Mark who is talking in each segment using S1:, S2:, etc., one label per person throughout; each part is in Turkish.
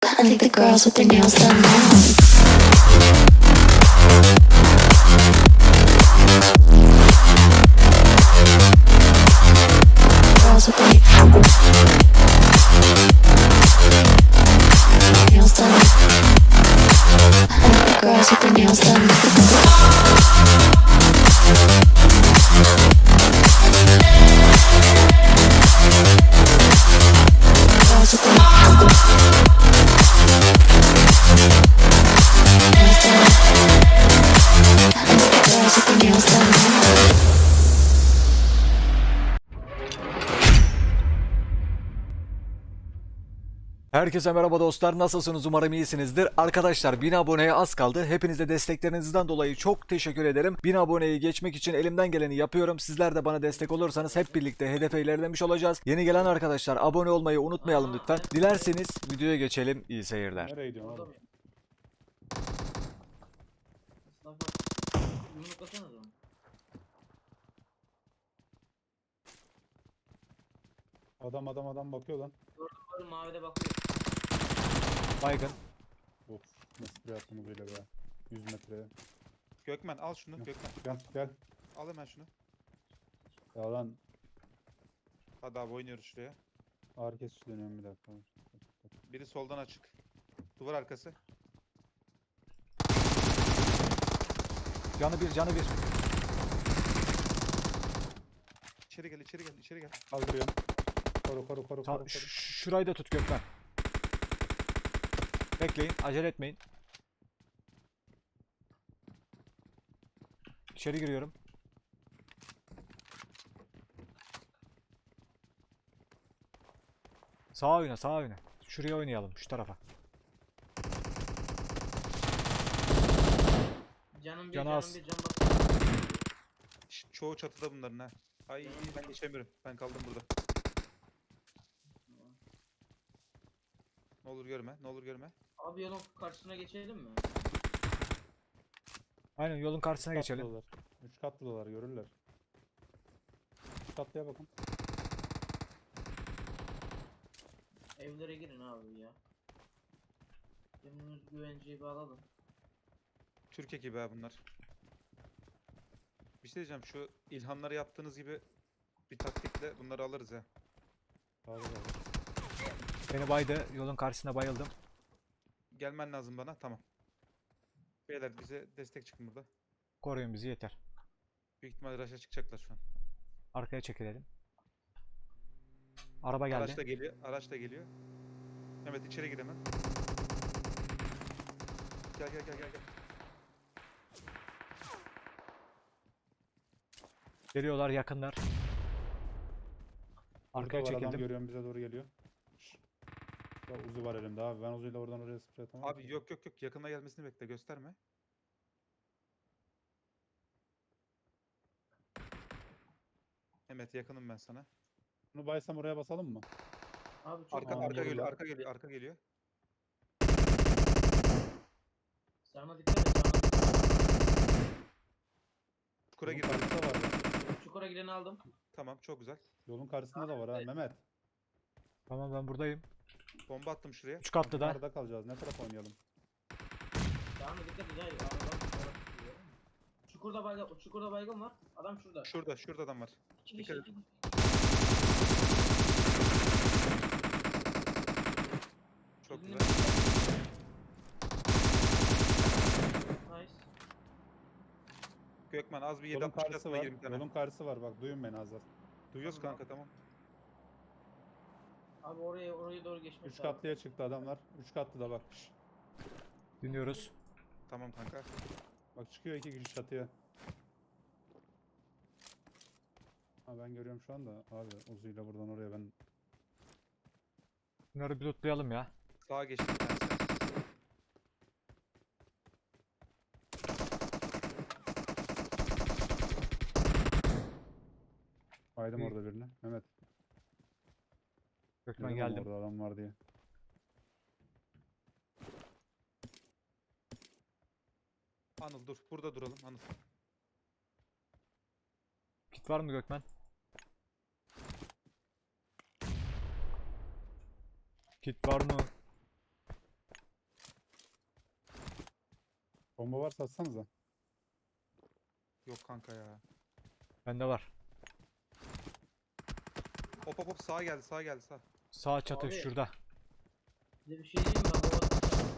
S1: I think the girls with their nails done now. Girls with their nails done. I think the girls with their nails done. Girls with their nails done.
S2: Herkese merhaba dostlar, nasılsınız? Umarım iyisinizdir. Arkadaşlar 1000 aboneye az kaldı. Hepinize desteklerinizden dolayı çok teşekkür ederim. 1000 aboneyi geçmek için elimden geleni yapıyorum. Sizler de bana destek olursanız hep birlikte hedefe ilerlemiş olacağız. Yeni gelen arkadaşlar abone olmayı unutmayalım lütfen. Dilerseniz videoya geçelim. İyi seyirler.
S3: Nereye gidiyorsun oğlum? Adam bakıyor lan.
S4: Gördüm mavide bakıyor.
S2: Baygın.
S3: Of, nasıl bir yaptığımı böyle be. 100 metreye.
S5: Gökmen al şunu Gökmen.
S3: Gel.
S5: Al hemen şunu.
S3: Ya lan
S5: Hadi abi oynuyoruz şuraya.
S3: ağır kesici dönüyorum bir dakika.
S5: Biri soldan açık. Duvar arkası.
S2: Canı bir, canı bir.
S5: İçeri gel içeri gel.
S3: Kaldırıyorum. Koru.
S2: Şurayı da tut Gökmen. Bekleyin, acele etmeyin. İçeri giriyorum. Sağa oyna, sağa oyna. Şuraya oynayalım, şu tarafa.
S4: Canım bir,
S2: Canı
S4: canım
S2: az.
S4: bir, can bakıyor.
S5: Çoğu çatıda bunların ha. Ay ben geçemiyorum. Ben kaldım burada. Ne olur görme.
S4: Abi yolun karşısına geçelim mi?
S2: Aynen, yolun karşısına geçelim.
S3: 3 katlılar görürler. 3 katlıya bakın.
S4: Evlere girin abi ya. Kendimiz güvenceyi bağladım.
S5: Türk ekibi ha bunlar. Bir şey diyeceğim, şu ilhamları yaptığınız gibi bir taktikle bunları alırız ya.
S3: Sağda.
S2: Beni baydı, yolun karşısına bayıldım.
S5: Gelmen lazım bana, tamam. Beyler bize destek çıkın burada.
S2: Koruyun bizi yeter.
S5: Büyük ihtimalle rush'a çıkacaklar şu an.
S2: Arkaya çekilelim. Araba geldi.
S5: Araç da geliyor. Mehmet içeri gir hemen. Gel.
S2: Geliyorlar, yakınlar. Arkaya
S3: Burada var adam
S2: çekildim.
S3: görüyorum bize doğru geliyor. Ya Uzi var elimde abi. Ben Uzi'yle oradan oraya sprey atamam.
S5: Abi yok yakına gelmesini bekle, gösterme. Mehmet yakınım ben sana.
S3: Bunu baysam oraya basalım mı?
S4: Abi çok
S5: Arka
S3: Tamam, vururlar.
S5: arka geliyor.
S4: Sarma dikkat et, sarma dikkat et.
S5: Çukura
S3: Yolun
S5: gir.
S3: karşısında var.
S4: Çukura gireni aldım.
S5: Tamam, çok güzel.
S3: Yolun karşısında da var ha Mehmet.
S2: Tamam, ben buradayım.
S5: Bomba attım şuraya.
S2: 3 katlı da.
S3: Arada kalacağız. Ne taraf oynayalım?
S4: Sarma dikkat et, hayır. Çukurda baygın var. Adam şurada.
S5: Şurada adam var.
S4: İki
S5: dikkat
S4: kişi,
S5: et.
S4: iki kişi.
S5: Çok
S4: Birinin-
S5: güzel.
S4: Nice.
S5: Gökmen az bir
S3: Yolun
S5: 7
S3: karşısı
S5: atma
S3: var.
S5: 20 tane.
S3: Yolun karşısı var. Bak duyun beni Azar.
S5: Duyuyoruz kanka, tamam.
S4: Abi oraya doğru geçmek
S3: 3
S4: lazım.
S3: katlıya çıktı adamlar. 3 katlı da bak.
S2: Dinliyoruz.
S5: Tamam kanka.
S3: Bak çıkıyor 2 kişi çatıya. Ha ben görüyorum şu anda. Abi Uzi'yle buradan oraya ben.
S2: Bunları bir lootlayalım ya.
S5: Sağa geçtim bir tanesi.
S3: Baydım
S2: İyi.
S3: orada birini. Mehmet.
S2: Gökmen
S3: Dedim ama
S2: geldim.
S3: orada adam var diye.
S5: Anıl dur. Burada duralım Anıl.
S2: Kit var mı Gökmen? Kit var mı?
S3: Bomba varsa atsanıza.
S5: Yok kanka ya.
S2: Bende var.
S5: Hop hop hop sağa geldi sağa geldi sağ.
S2: Sağ çatı
S4: Abi.
S2: şurada.
S4: Size bir şey diyeyim mi? Ben baba tutacağım.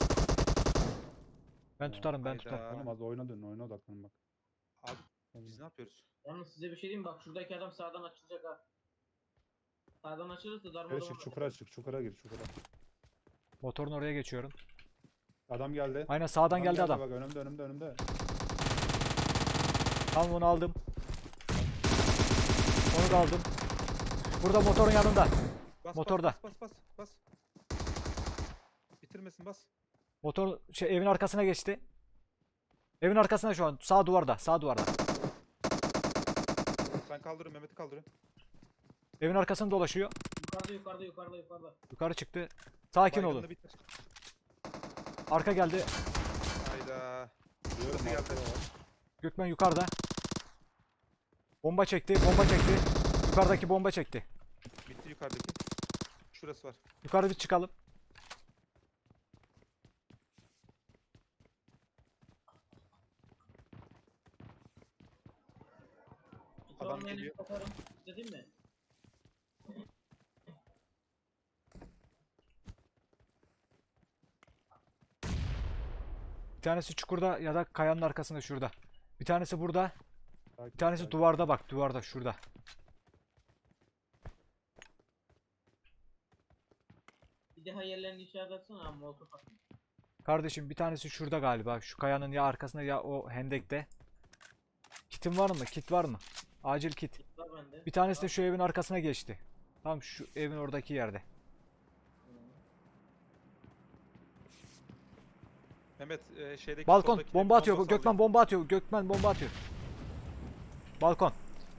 S2: Ben tutarım ben
S5: Hayda.
S2: tutarım.
S3: Oğlum az oyuna dönün, oyuna odaklanın bak.
S5: Abi biz ne yapıyoruz?
S4: Yalnız size bir şey diyeyim mi? Bak şuradaki adam sağdan açılacak ha. Sağdan açılırsa darma
S3: Evet,
S4: duman
S3: çık çukura çık, çukura gir, çukura.
S2: Motorun oraya geçiyorum.
S3: Adam geldi.
S2: Aynen sağdan geldi adam.
S3: Bak önümde, önümde, önümde.
S2: Tamam onu aldım. Onu da aldım. Burada motorun yanında.
S5: Bas,
S2: Motorda.
S5: bas. Bitirmesin bas.
S2: Motor evin arkasına geçti. Evin arkasına şu an. Sağ duvarda. Sağ duvarda.
S5: Ben kaldırıyorum Mehmet'i kaldırıyorum.
S2: Evin arkasını dolaşıyor.
S4: yukarıda.
S2: Yukarı çıktı. Sakin olun.
S5: Baygınını bitir.
S2: Arka geldi.
S5: Hayda.
S3: Diyorum,
S5: Burası geldi.
S3: arkada var.
S2: Gökmen yukarıda. Bomba çekti. Bomba çekti. Yukarıdaki bomba çekti.
S5: Bitti yukarıdaki. Şurası var.
S2: Yukarı bir çıkalım.
S5: Adam
S4: Adam
S5: geliyor.
S4: Satarım. Dedim mi?
S2: Bir tanesi çukurda ya da kayanın arkasında şurada. Bir tanesi burada.
S3: Sakin,
S2: Bir tanesi
S3: sakin.
S2: duvarda bak. Duvarda şurada.
S4: Bir daha yerlerini işaret etsene abi. Molotof atın.
S2: Kardeşim bir tanesi şurada galiba. Şu kayanın ya arkasında ya o hendekte. Kitin var mı? Kit var mı? Acil kit.
S4: Var bende.
S2: Bir tanesi de şu evin arkasına geçti. Tam şu evin oradaki yerde.
S5: Mehmet şeydeki
S2: Balkon
S5: soldaki
S2: bomba atıyor.
S5: bomba
S2: Gökmen bomba atıyor. Gökmen bomba atıyor. Balkon.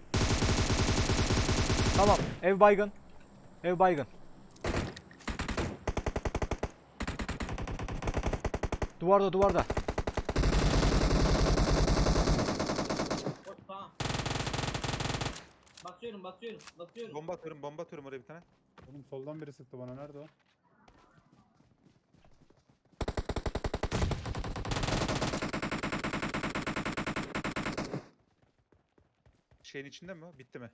S2: Tamam. Ev baygın. Ev baygın. Duvarda duvarda.
S4: Hop, tamam. Basıyorum.
S5: Bomba atıyorum oraya bir tane.
S3: Oğlum soldan biri sıktı bana, nerede o?
S5: Şeyin içinde mi o? Bitti mi?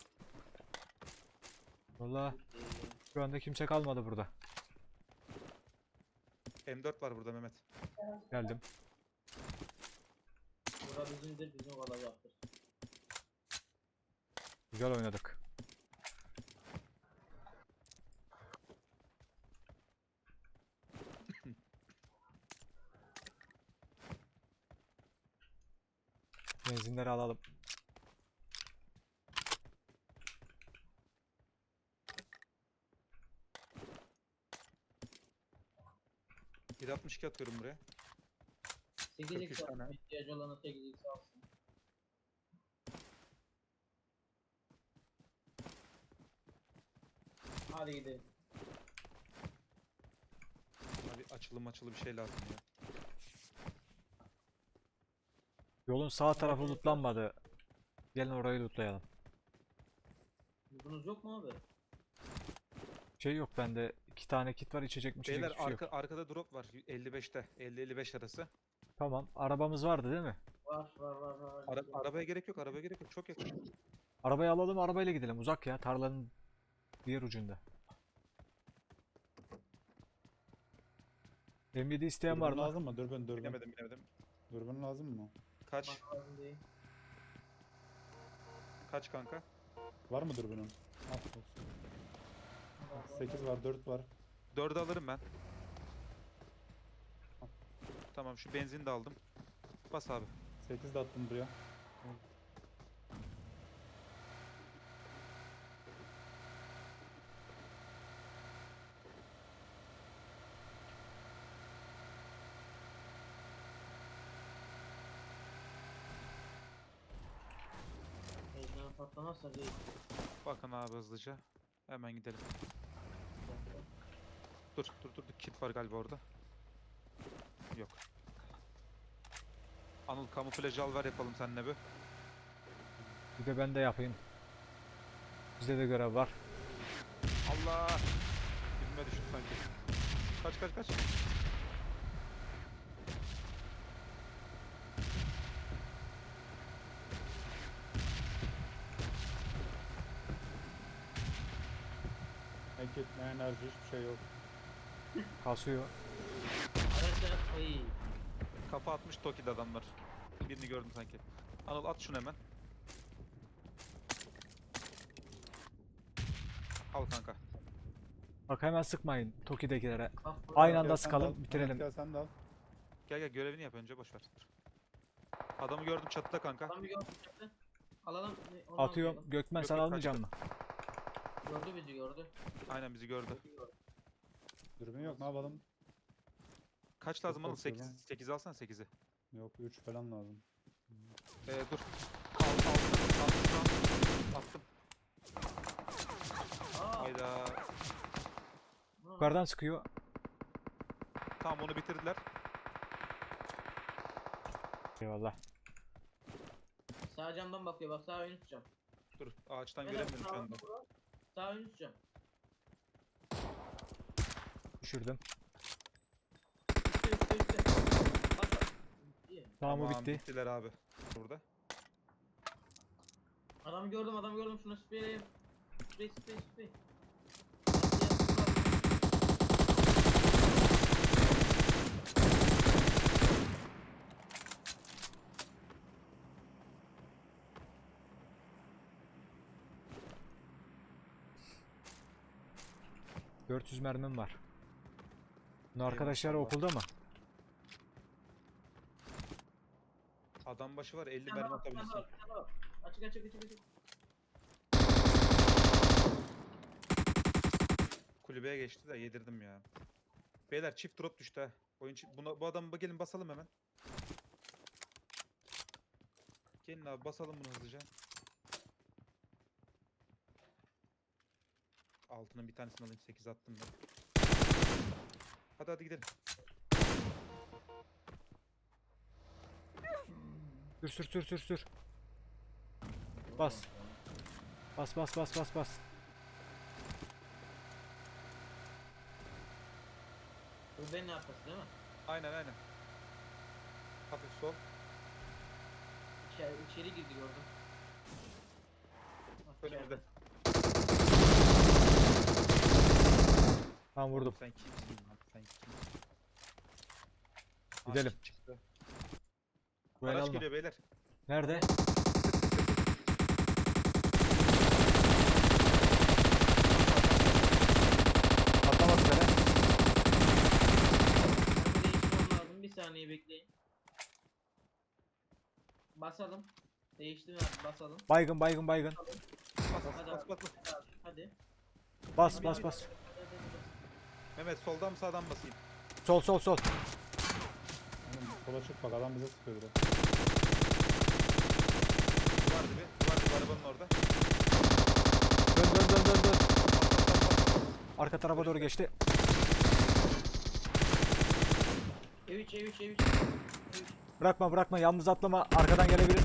S2: Vallahi şu anda kimse kalmadı burada.
S5: M4 var burada Mehmet.
S2: Geldim.
S4: Bura bizimdir. Bizim olacaktır.
S2: Güzel oynadık. Benzinleri alalım.
S5: Bir 62 atıyorum buraya.
S4: 8x
S5: 43 tane.
S4: alsın. İhtiyacı olana 8x alsın. Hadi gidelim.
S5: Bana bir açılı bir şey lazım ya.
S2: Yolun sağ tarafı lootlanmadı. Gelin orayı lootlayalım.
S4: Bunuz yok mu abi?
S2: Şey yok bende. 2 tane kit var. İçecek mi içecek
S5: Beyler
S2: hiçbir şey yok.
S5: arkada drop var 55'te. 50-55 arası.
S2: Tamam. Arabamız vardı değil mi?
S4: Var.
S5: Arabaya gerek yok arabaya gerek yok. Çok yakın.
S2: Arabayı alalım. Arabayla gidelim. Uzak ya. Tarlanın diğer ucunda. M7 isteyen var
S3: Dürbün
S2: mı?
S3: lazım mı? Dürbün.
S5: Binemedim.
S3: Dürbün lazım mı?
S5: Kaç?
S4: Bak lazım değil.
S5: Kaç kanka?
S3: Var mı dürbünün? Al, olsun. 8 var, 4 var.
S5: 4'ü alırım ben. Tamam şu benzini de aldım. Bas abi.
S3: 8 de attım buraya.
S4: Heyecan patlamazsa değil.
S5: Bakın abi hızlıca. Hemen gidelim. Dur. Kit var galiba orada. Yok. Anıl kamuflaj al ver yapalım seninle bir.
S2: Bir de ben de yapayım. Bizde de görev var.
S5: Allah! Dibime düştü sanki. Kaç.
S3: kit, ne enerji, hiçbir şey yok.
S2: Kasıyor.
S4: Arkadaşlar ay.
S5: Kafa atmış Toki'de adamlar. Birini gördüm sanki. Anıl at şunu hemen. Al kanka.
S2: Bak hemen sıkmayın Toki'dekilere.
S4: Kaf
S2: Aynı
S3: Gel
S2: anda
S3: sen de
S2: sıkalım
S3: al,
S2: bitirelim.
S3: Mehmet gel sen de al.
S5: Gel görevini yap önce boş ver. Adamı gördüm çatıda kanka.
S4: Adam bir gördü çaktı. Alalım. Onu
S2: Atıyorum.
S4: almayalım.
S2: Gökmen
S5: Yok,
S2: sen
S5: yok,
S2: almayacak
S5: kaçtı.
S2: mısın?
S4: Gördü bizi gördü.
S5: Aynen bizi gördü.
S3: Dürbün yok, ne yapalım?
S5: Kaç lazım Anıl?
S3: korkuyor
S5: 8.
S3: lan.
S5: 8 alsana 8'i.
S3: Yok, 3 falan lazım.
S5: Dur. Attım.
S4: Aa.
S5: Hayda.
S2: Yukarıdan sıkıyor.
S5: Tamam onu bitirdiler.
S2: Eyvallah.
S4: Sağ camdan bakıyor bak sağ ön üst cam.
S5: Dur ağaçtan
S4: Beyler,
S5: göremiyorum şu
S4: sağ-
S5: anda.
S4: Sağ ön üst cam.
S2: Düşürdüm.
S4: Üstte. Bak bak. İyi.
S2: Tamam o bitti.
S5: Bittiler abi. Burada.
S4: Adamı gördüm şuna spreyleyeyim. Sprey.
S2: — 400 mermim var. Bunun
S5: Eyvallah,
S2: arkadaşlar
S5: Allah.
S2: okulda mı?
S5: Adam başı var 50
S4: Bir
S5: mermi
S4: tane
S5: atabilirsin.
S4: var. Açık.
S5: Kulübeye geçti de yedirdim ya. Beyler çift drop düştü ha. Bu adamı gelin basalım hemen. Gelin abi basalım bunu hızlıca. Altının bir tanesini alayım 8 attım ben. Hadi gidelim.
S2: Sür. Bas. Bas.
S4: Bu benim arkası değil mi?
S5: Aynen. Hafif sol.
S4: İçeri girdi gördüm. Bak,
S5: Önümüzde.
S4: içeride.
S2: Tamam vurdum.
S5: Sen kimsin lan? Sen kimsin?
S2: Gidelim.
S5: Kit çıktı.
S2: Buraya
S5: Araç
S2: alma.
S5: geliyor beyler.
S2: Nerede? Atlamak üzere.
S4: Mermi değiştirmem lazım. Bir saniye bekleyin. Basalım. Değiştim abi basalım.
S2: Baygın.
S5: Bas
S4: Hadi
S5: bas
S4: abi.
S5: bas.
S4: Hadi.
S2: Bas.
S4: Hadi.
S5: Mehmet soldan mı sağdan basayım?
S2: Sol.
S3: Oğlum, sola çık bak, adam bize sıkıyor biraz.
S5: Duvar dibi arabanın orada.
S2: Dön.
S5: Bas.
S2: Arka tarafa doğru geçti.
S4: Ev3.
S2: Bırakma. Yalnız atlama. Arkadan gelebilir.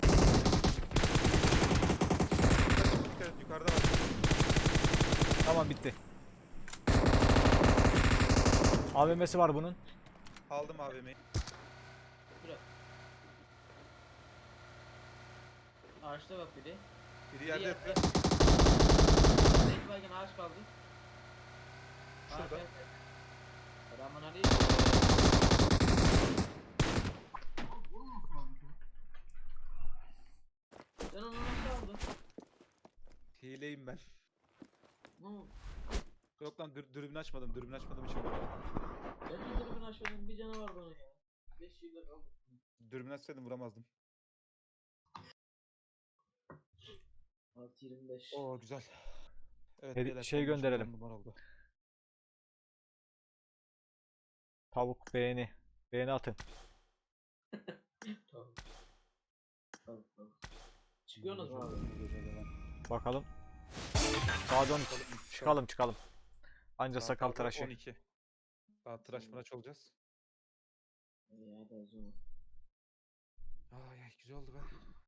S5: Evet, yukarıda var.
S2: Tamam bitti. AVM'si var bunun.
S5: Aldım AVM'yi.
S4: Bırak. Ağaçta bak biri.
S5: Biri yerde yatıyor.
S4: Zeyt baygın ağaç kaldı.
S5: Şurada.
S4: Selamun aleyküm. Sen onu nasıl aldın?
S5: Hileyim ben.
S4: Ne oldu?
S5: Yok lan dürbün açmadım. Dürbün açmadığım için vurdum.
S4: Ben de tribün aşağıdan bir canavar bana ya. 5 yılda kaldı.
S5: Dürbün açsaydım vuramazdım.
S4: 6.25.
S5: Oo güzel. Evet
S2: Şey
S5: beyler, son maç
S2: gönderelim.
S5: 10 numara oldu.
S2: Tavuk beğeni. Beğeni atın.
S4: Tamam. Çıkıyorsunuz mu abi?
S3: Bu gece de lan.
S2: Bakalım. Sağa dön. Çıkalım. Anca
S5: Saat
S2: sakal
S5: abi
S2: tıraşı.
S5: 12. Daha tıraş mıraş olacağız.
S4: İyi hadi o zaman.
S5: Ay güzel oldu be.